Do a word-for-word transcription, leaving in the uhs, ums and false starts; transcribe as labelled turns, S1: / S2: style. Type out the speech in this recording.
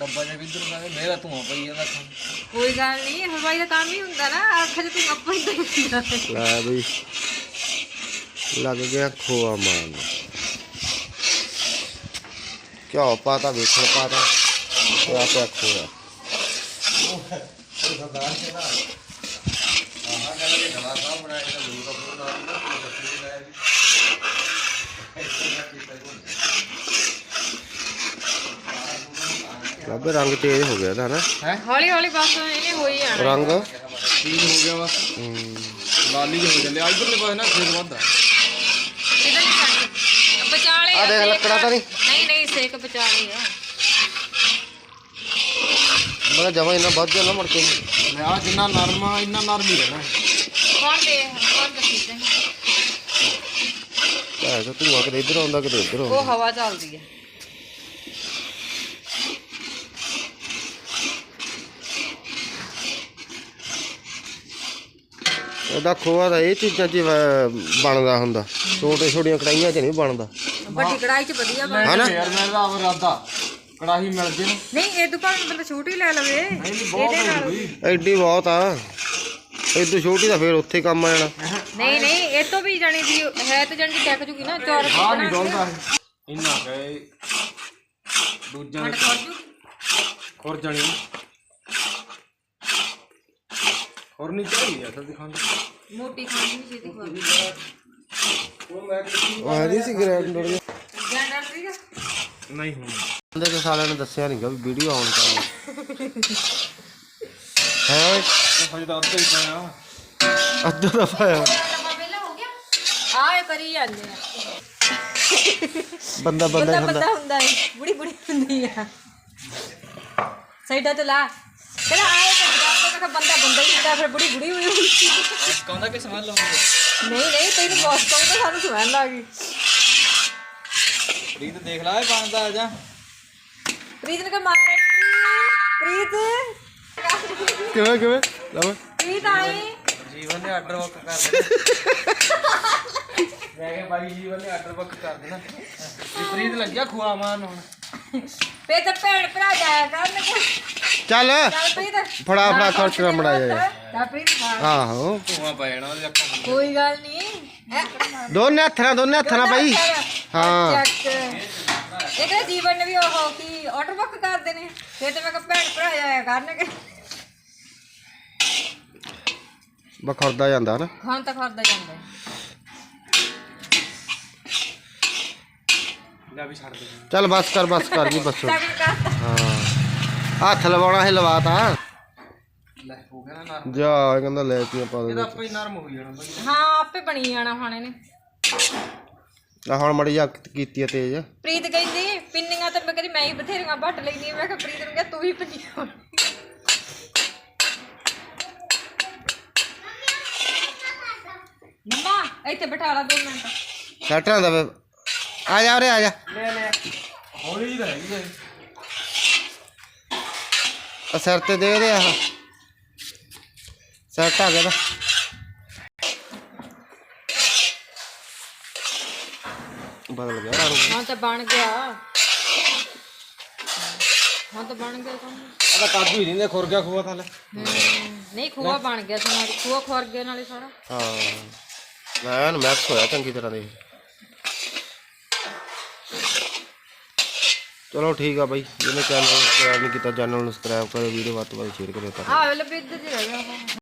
S1: ਡੱਬਾ ਜਿਹਾ ਕਿੱਧਰ ਗਿਆ ਮੇਰਾ ਧੂਆਂ ਪਈ ਜਾਂਦਾ
S2: ਕੋਈ ਗੱਲ ਨਹੀਂ ਹਲਵਾਈ ਦਾ ਕੰਮ ਹੀ ਹੁੰਦਾ ਨਾ ਅੱਖ 'ਚ ਤੂੰ ਆਪਾਂ ਹੀ ਦੇਖਦਾ
S3: ਲੈ ਬਈ ਲੱਗ ਗਿਆ ਖੋਆ ਮਾਰਨ ਘਿਓ ਪਾਤਾ ਵੇਖਣ ਪਾਤਾ ਤੇ ਆਪੇ ਖੋਆ ਲੱਭੇ ਰੰਗ ਤੇਜ਼ ਹੋ ਗਿਆ ਤਾਂ ਨਾ
S1: ਹੈ
S2: ਹੌਲੀ ਹੌਲੀ ਬਸ ਇਹਨੇ ਹੋਈ ਜਾਣਾ
S3: ਰੰਗ
S1: ਤੀਨ ਹੋ ਗਿਆ ਬਸ ਲਾਲੀ ਜਿਹਾ ਹੋ ਚੱਲਿਆ ਇਧਰਲੇ ਪਾਸੇ ਨਾ ਖੇਤ ਵੱਧਦਾ
S2: ਕਿਧਰ ਨਹੀਂ ਜਾਂਦੀ ਬਚਾਲੇ
S3: ਆ ਦੇਖ ਲੱਕੜਾ ਤਾਂ ਨਹੀਂ
S2: ਨਹੀਂ ਨਹੀਂ ਸੇਕ ਬਚਾਲੇ ਆ
S3: ਮੈਂ ਜਮਾ ਇੰਨਾ ਵੱਧ ਜਾਣਾ ਮੁੜ ਕੇ
S1: ਮੈਂ ਆ ਜਿੰਨਾ ਨਰਮ ਆ ਇੰਨਾ ਨਰਮ ਹੀ ਰਹਿਣਾ
S2: ਕੌਣ ਦੇ ਕੌਣ ਦੱਸੀ
S3: ਐ ਤਾਂ ਧੂਆ ਕਿਤੇ ਇੱਧਰ ਆਉਂਦਾ ਕਿਤੇ ਇੱਧਰ ਆਉਂਦਾ
S2: ਉਹ ਹਵਾ ਚੱਲਦੀ ਹੈ
S3: ਉਹਦਾ ਖੋਆ ਦਾ ਇਹ ਚੀਜ਼ਾਂ 'ਚ ਬਣਦਾ ਹੁੰਦਾ ਛੋਟੇ ਛੋਟੀਆਂ ਕੜਾਈਆਂ 'ਚ ਨਹੀਂ ਬਣਦਾ
S2: ਵੱਡੀ ਕੜਾਈ 'ਚ ਵਧੀਆ ਬਣ
S3: ਹਨਾ
S1: ਯਾਰ ਮੇਰਾ ਇਰਾਦਾ ਕੜਾਹੀ ਮਿਲ ਜੇ
S2: ਨਹੀਂ ਇਹ ਤੋਂ ਭਾਵੇਂ ਬੰਦਾ ਛੋਟੀ ਲੈ ਲਵੇ ਇਹਦੇ ਨਾਲ
S3: ਐਡੀ ਬਹੁਤ ਆ ਐਡੀ ਛੋਟੀ ਤਾਂ ਫੇਰ ਉੱਥੇ ਕੰਮ ਆ ਜਾਣਾ
S2: ਨਹੀਂ ਨਹੀਂ ਇਹ ਤੋਂ ਵੀ ਜਾਣੀ ਦੀ ਹੈ ਤੇ ਜਾਣੀ ਟੈਕ ਜੂਗੀ ਨਾ ਚੌਰ
S1: ਹਾਂ ਨਹੀਂ ਡੋਲਦਾ ਇੰਨਾ ਕਹੇ ਦੂਜਾ
S2: ਖੜ ਖੜ ਜੂ
S1: ਖੁਰ ਜਾਣੀ ਹੋਰ ਨਹੀਂ ਚਾਹੀਦੀ ਅਸਲ ਦਿਖਾਉਂਦਾ
S2: ਮੋਟੀ ਖਾਣੀ ਨਹੀਂ ਛੇਤੀ ਖੋਲ
S1: ਉਹ ਮੈਂ
S3: ਉਹ ਹੈ ਨਹੀਂ ਸੀ ਗ੍ਰੈਂਡਰ ਜਿਹਾ
S2: ਗੈਂਡਰ ਸੀਗਾ
S1: ਨਹੀਂ ਹੁਣ
S3: ਬੰਦੇ ਕੇ ਸਾਲਿਆਂ ਨੇ ਦੱਸਿਆ ਨਹੀਂਗਾ ਵੀ ਵੀਡੀਓ ਆਨ ਕਰਨੀ ਹੈ
S1: ਹਜੇ ਤਾਂ ਅੱਧਾ ਹੀ ਪਾਇਆ
S3: ਅੱਧਾ ਦਾ ਪਾਇਆ
S2: ਡੱਬਾ ਪਹਿਲਾਂ ਹੋ ਗਿਆ ਆਏ ਕਰੀ ਜਾਂਦੇ ਆ
S3: ਬੰਦਾ ਬੰਦਾ
S2: ਬੰਦਾ
S3: ਹੁੰਦਾ
S2: ਬੰਦਾ ਹੁੰਦਾ ਹੈ ਬੁੜੀ ਬੁੜੀ ਹੁੰਦੀ ਆ ਸਾਈਡਾਂ ਤੇ ਲਾ ਕਹਿੰਦਾ ਆਏ ਤਾਂ ਜਾ ਕੇ ਬੰਦਾ ਬੰਦਾ ਹੀ ਹੁੰਦਾ ਫਿਰ ਬੁੜੀ ਬੁੜੀ ਹੋਈ ਹੁੰਦੀ
S1: ਕਹਿੰਦਾ ਕਿ ਸਮਝ ਲਵਾਂਗੇ
S2: ਨਹੀਂ ਨਹੀਂ ਤੈਨੂੰ ਬਹੁਤ ਕਹਿੰਦਾ ਸਾਨੂੰ ਸਮਝ ਆ ਗਈ
S1: ਪ੍ਰੀਤ ਦੇਖ ਲਾ ਇਹ ਬਣਦਾ ਆ ਜਾ
S2: ਪ੍ਰੀਤ ਨੇ ਕਹ ਮਾਰ ਪ੍ਰੀਤ
S3: ਕਿਵੇਂ ਕਿਵੇਂ ਲਓ
S2: ਪ੍ਰੀਤ ਆਈ
S1: ਜੀਵਨ ਨੇ ਆਰਡਰ ਬੁੱਕ ਕਰ ਦੇਣਾ ਮੈਂ ਕਿਹਾ ਬਾਈ ਜੀਵਨ ਨੇ ਆਰਡਰ ਬੁੱਕ ਕਰ ਦੇਣਾ ਤੇ ਪ੍ਰੀਤ ਲੱਗਿਆ ਖੁਆ ਮਾਰਨ ਹੁਣ
S2: ਫੇ ਤਾਂ ਭੈਣ ਭਰਾ ਜਾਇਆ ਕਰਨ
S3: ਚੱਲ
S2: ਚੱਲ ਪ੍ਰੀਤ
S3: ਫੜਾ ਫੜਾ ਖਰਚ ਕਰ ਮੜਾ ਜਾ
S2: ਤਾਂ ਪ੍ਰੀਤ ਮਾਰ
S3: ਆਹੋ
S1: ਧੂਆਂ ਪੈ ਜਾਣਾ ਉਹਦੇ ਅੱਖਾਂ ਨੂੰ
S2: ਕੋਈ ਗੱਲ ਨਹੀਂ
S3: ਦੋਨੇ ਹੱਥਾਂ ਨਾਲ ਦੋਨੇ ਹੱਥਾਂ ਨਾਲ ਬਾਈ ਹਾਂ
S2: ਚੱਕ ਇਹ ਤਾਂ ਜੀਵਨ ਨੇ ਵੀ ਉਹ ਕੀ ਆਰਡਰ ਬੁੱਕ ਕਰਦੇ ਨੇ ਫੇ ਤਾਂ ਮੈਂ ਕਿਹਾ ਭੈਣ ਭਰਾ ਜਾਇਆ ਕਰਨਗੇ
S3: ਬਖਰਦਾ ਜਾਂਦਾ ਨਾ
S2: ਖਾਣ ਤਾਂ ਖਾਦਾ ਜਾਂਦਾ
S1: ਲੈ ਵੀ ਛੱਡ ਦੇ
S3: ਚੱਲ ਬਸ ਕਰ ਬਸ ਕਰ ਜੀ ਬਸ
S2: ਤਾਂ ਵੀ ਕਰਤਾ
S3: ਹਾਂ ਹੱਥ ਲਵਾਉਣਾ ਹੈ ਲਵਾਤਾ
S1: ਲੈ ਹੋ ਗਿਆ ਨਾ ਨਰਮ
S3: ਜਾ ਇਹ ਕਹਿੰਦਾ ਲੈ ਕੇ ਪਾ ਦੇ
S1: ਇਹਦਾ ਆਪੇ ਹੀ ਨਰਮ ਹੋ ਜਾਣਾ ਬਾਈ
S2: ਹਾਂ ਆਪੇ ਬਣੀ ਜਾਣਾ ਹੁਣ ਇਹਨੇ
S3: ਆ ਹੁਣ ਮੜੀ ਜਾ ਕੀਤੀ ਆ ਤੇਜ਼
S2: ਪ੍ਰੀਤ ਕਹਿੰਦੀ ਪਿੰਨੀਆਂ ਤਾਂ ਮੈਂ ਕਹਿੰਦੀ ਮੈਂ ਹੀ ਬਥੇਰੀਆਂ ਵੱਟ ਲੈਣੀ ਮੈਂ ਕਿਹਾ ਪ੍ਰੀਤ ਨੂੰ ਕਿਹਾ ਤੂੰ ਵੀ ਪਿੰਨੀਆਂ ਮੰਮਾ ਇੱਥੇ ਬਿਠਾ ਲਾ ਦੋ ਮਿੰਟ
S3: ਸੈਟ ਨਾ ਦਵੇ ਆ ਜਾ ਉਰੇ ਆ ਜਾ
S1: ਲੈ ਲੈ ਹੌਲੀ ਜਿਹੀ ਹੈਗੀ ਹੈ
S3: ਆ ਸਿਰ ਤੇ ਦੇ ਦੇ ਆ ਸੈਟ ਆ ਗਿਆ ਤਾਂ ਬਦਲ ਗਿਆ ਰੰਗ
S2: ਹਾਂ ਤਾਂ ਬਣ ਗਿਆ ਹਾਂ ਤਾਂ ਬਣ ਗਿਆ ਕੰਮ
S1: ਇਹਦਾ ਕਾਬੂ ਹੀ ਨਹੀਂ ਖੁਰ ਗਿਆ ਖੂਆ ਥੱਲੇ
S2: ਨਹੀਂ ਖੋਆ ਬਣ ਗਿਆ ਸੀ ਨਾਲ ਖੋਆ ਖੁਰ ਗਿਆ ਨਾਲੇ ਸਾਰਾ
S3: ਹਾਂ ਮੈਂ ਮੈਕਸ ਹੋਇਆ ਚੰਗੀ ਤਰ੍ਹਾਂ ਦੇ ਚਲੋ ਠੀਕ ਆ ਬਾਈ ਜਿਹਨੇ ਚੈਨਲ ਨੂੰ ਸਬਸਕ੍ਰਾਈਬ ਨਹੀਂ ਕੀਤਾ ਚੈਨਲ ਨੂੰ ਸਬਸਕ੍ਰਾਈਬ ਕਰੋ ਵੀਡੀਓ ਵੱਧ ਤੋਂ ਵੱਧ ਸ਼ੇਅਰ ਕਰਿਓ
S2: ਆਹ ਵੇਲੇ ਵੀ ਇੱਧਰ ਹੀ ਰਹਿ ਗਿਆ ਉਹ